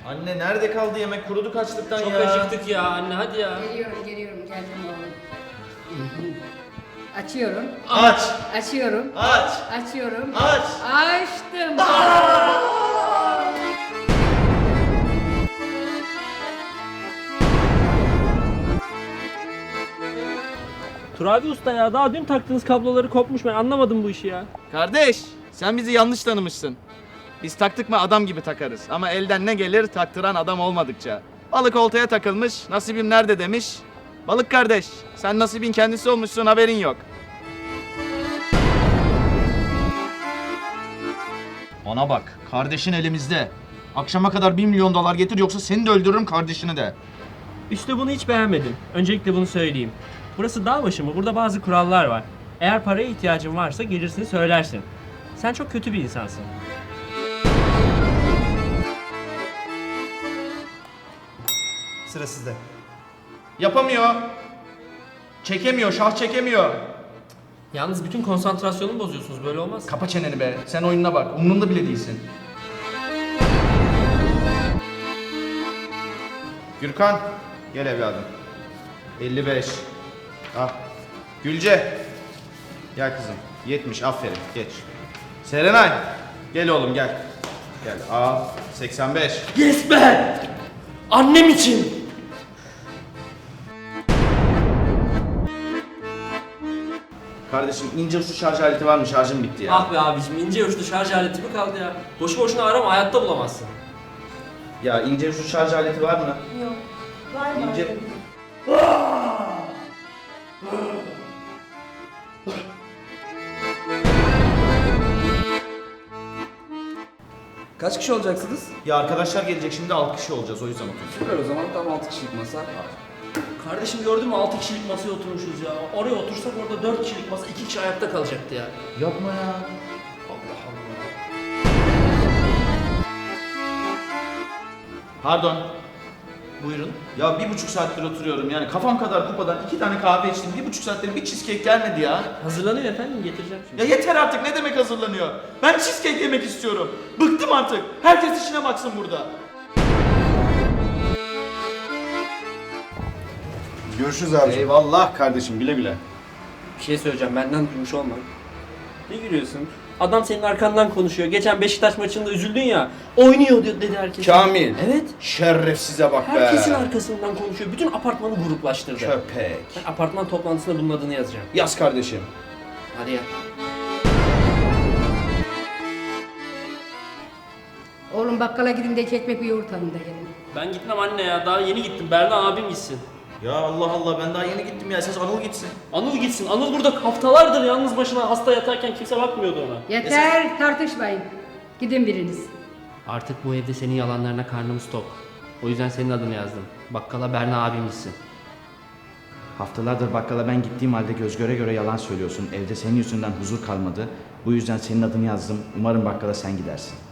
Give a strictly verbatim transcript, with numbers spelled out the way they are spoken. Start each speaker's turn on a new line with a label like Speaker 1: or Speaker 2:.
Speaker 1: Anne nerede kaldı yemek? Kuruduk açlıktan
Speaker 2: Çok
Speaker 1: ya.
Speaker 2: acıktık ya anne, hadi ya.
Speaker 3: Geliyorum, geliyorum. Geldim oğlum. Açıyorum.
Speaker 1: Aç!
Speaker 3: Açıyorum.
Speaker 1: Aç!
Speaker 3: Açıyorum.
Speaker 1: Aç!
Speaker 3: Açtım.
Speaker 2: Turabi Usta ya, daha dün taktığınız kabloları kopmuş, ben anlamadım bu işi ya.
Speaker 1: Kardeş, sen bizi yanlış tanımışsın. Biz taktık mı adam gibi takarız. Ama elden ne gelir taktıran adam olmadıkça. Balık oltaya takılmış, nasibim nerede demiş. Balık kardeş, sen nasibin kendisi olmuşsun, haberin yok. Bana bak, kardeşin elimizde. Akşama kadar bir milyon dolar getir, yoksa seni de öldürürüm, kardeşini de.
Speaker 2: İşte bunu hiç beğenmedim. Öncelikle bunu söyleyeyim. Burası dağ başı mı? Burada bazı kurallar var. Eğer paraya ihtiyacın varsa gelirsin söylersin. Sen çok kötü bir insansın.
Speaker 4: Sıra sizde.
Speaker 1: Yapamıyor. Çekemiyor, şah çekemiyor.
Speaker 2: Yalnız bütün konsantrasyonumu bozuyorsunuz, böyle olmaz.
Speaker 1: Kapa çeneni be, sen oyununa bak, umurunda bile değilsin. Gürkan, gel evladım. elli beş. Al. Gülce. Gel kızım. yetmiş, aferin, geç. Serenay, gel oğlum gel. Gel, al. seksen beş.
Speaker 2: Yes be! Annem için!
Speaker 1: Kardeşim ince uçlu şarj aleti var mı? Şarjım bitti ya.
Speaker 2: Ah be abicim, ince uçlu şarj aleti mi kaldı ya? Boşu boşuna arama, hayatta bulamazsın.
Speaker 1: Ya ince uçlu şarj aleti var mı?
Speaker 5: Yok. Var mı?
Speaker 1: İnce...
Speaker 4: Kaç kişi olacaksınız?
Speaker 1: Ya arkadaşlar gelecek şimdi altı kişi olacağız, o yüzden oturdum.
Speaker 4: Süper, o zaman tam altı kişilik masa.
Speaker 2: Kardeşim gördün mü, altı kişilik masaya oturmuşuz ya. Oraya otursak orada dört kişilik masa, iki kişi ayakta kalacaktı ya.
Speaker 1: Yapma ya.
Speaker 2: Allah Allah.
Speaker 1: Pardon. Buyurun. Ya bir buçuk saattir oturuyorum yani kafam kadar kupadan iki tane kahve içtim. Bir buçuk saattir bir cheesecake gelmedi ya.
Speaker 2: Hazırlanıyor efendim, getireceğim şimdi.
Speaker 1: Ya yeter artık, ne demek hazırlanıyor? Ben cheesecake yemek istiyorum. Bıktım artık. Herkes işine baksın burada.
Speaker 6: Görüşürüz abi.
Speaker 1: Eyvallah kardeşim, güle güle.
Speaker 2: Bir şey söyleyeceğim, benden duymuş olma. Ne gülüyorsun? Adam senin arkandan konuşuyor. Geçen Beşiktaş maçında üzüldün ya. Oynuyor diyor dedi herkes.
Speaker 1: Kamil.
Speaker 2: Evet.
Speaker 1: Şerefsize bak be.
Speaker 2: Herkesin arkasından konuşuyor. Bütün apartmanı gruplaştırdı.
Speaker 1: Köpek.
Speaker 2: Ben apartman toplantısında bunun adını yazacağım.
Speaker 1: Yaz kardeşim.
Speaker 2: Hadi ya.
Speaker 3: Oğlum bakkala gidin de iki ekmek bir yoğurt alın da gelin.
Speaker 2: Ben gitmem anne ya. Daha yeni gittim. Berna abim gitsin.
Speaker 1: Ya Allah Allah, ben daha yeni gittim ya. Esas Anıl gitsin.
Speaker 2: Anıl gitsin. Anıl burada haftalardır yalnız başına hasta yatarken kimse bakmıyordu ona.
Speaker 3: Yeter, tartışmayın. Gidin biriniz.
Speaker 2: Artık bu evde senin yalanlarına karnımız tok. O yüzden senin adını yazdım. Bakkala Berna abim gitsin.
Speaker 7: Haftalardır bakkala ben gittiğim halde göz göre göre yalan söylüyorsun. Evde senin yüzünden huzur kalmadı. Bu yüzden senin adını yazdım. Umarım bakkala sen gidersin.